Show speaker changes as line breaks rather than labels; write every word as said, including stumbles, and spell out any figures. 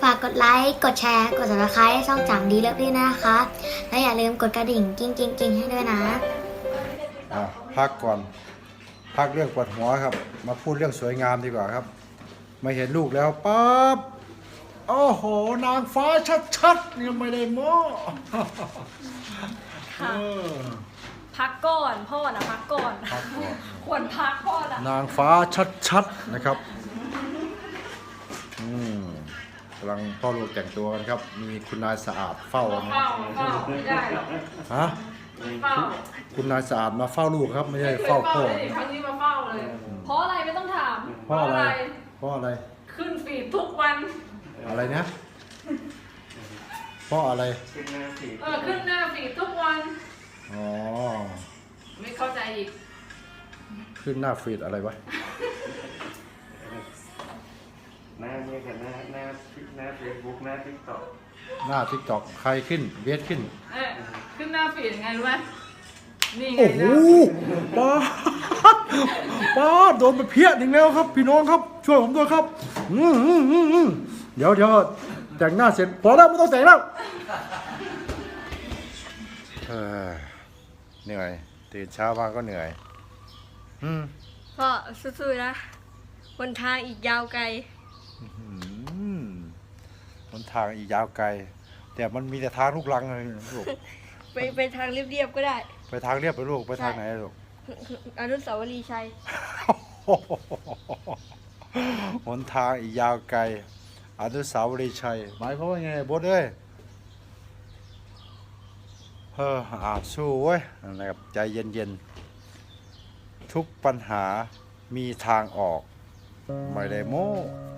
ากกดไลค์กดแชร์กด ซับสไครบ์ ให้ช่องจังดีเลิฟพี่นะคะและอย่าลืมกดกระดิ่งกิ้งกิ้งกิ้งให้ด้วยนะ
อ่ะพักก่อนพักเรื่องปวดหัวครับมาพูดเรื่องสวยงามดีกว่าครับมาเห็นลูกแล้วปั๊บโอ้โหนางฟ้าชัดๆนี่ไม่ได้โม้
ค่ะพักก่อนพ่อนะพักก่อน
พักก่อน
ควรพักพ่อนะ
นางฟ้าชัดๆนะครับอืมกำลังพ่อลูกแต่งตัวกันครับมีคุณนายสะอาดเฝ้านะ
เฝ้าเฝ้าไม่ได้หรอก
ฮะ
เฝ้า
คุณนายสะอาดมาเฝ้าลูกครับไม่ใช่เฝ้าพ่อ
ไม่ครั้งนี้มาเฝ้าเลย เพราะอะไรไม่ต้องถาม
เพราะอะไรเพราะอะไร
ขึ้นฟีดทุกวัน
อะไรนะเพราะอะไร
เออขึ้นหน้าฟีดทุกวัน
อ๋อ
ไม่เข้าใจอีก
ขึ้นหน้าฟีดอะไรวะ
หน้าเนี่ยกับหน้าหน้าหน้าเฟซบุ๊กหน้าทิกตอก
หน้าทิกตอกใครขึ้นเบสขึ้น
เออขึ้นหน้าฟีดยังไงรู้ไหมนี่ไง
โอ้โห
นะ
ป้าป้าโดนไปเพี้ยนอีกแล้วครับ พี่น้องครับ ช่วยผมด้วยครับอืมอืมอืมอืมเดี๋ยวเดี๋ยวแต่งหน้าเสร็จพอแล้วไม่ต้องแต่งแล้วเออเหนื่อยตื่นเช้ามาก็เหนื่อยอืม
พ่อสู้ๆนะบนทางอีกยาวไกล
อืมหนทางอีกยาวไกล แต่มันมีแต่ทางลูกรังเลยลูก
ไปไปทางเรียบๆก็ได้
ไปทางเรียบไปลูกไปทางไหนลูก
อนุสาวรีย์ชัย
หนทางอีกยาวไกลอนุสาวรีย์ชัยหมายความว่าไงบดเอ้ยเฮ้ออ่าสู้เว้ยนะครับใจเย็นๆทุกปัญหามีทางออกไม่ได้โม้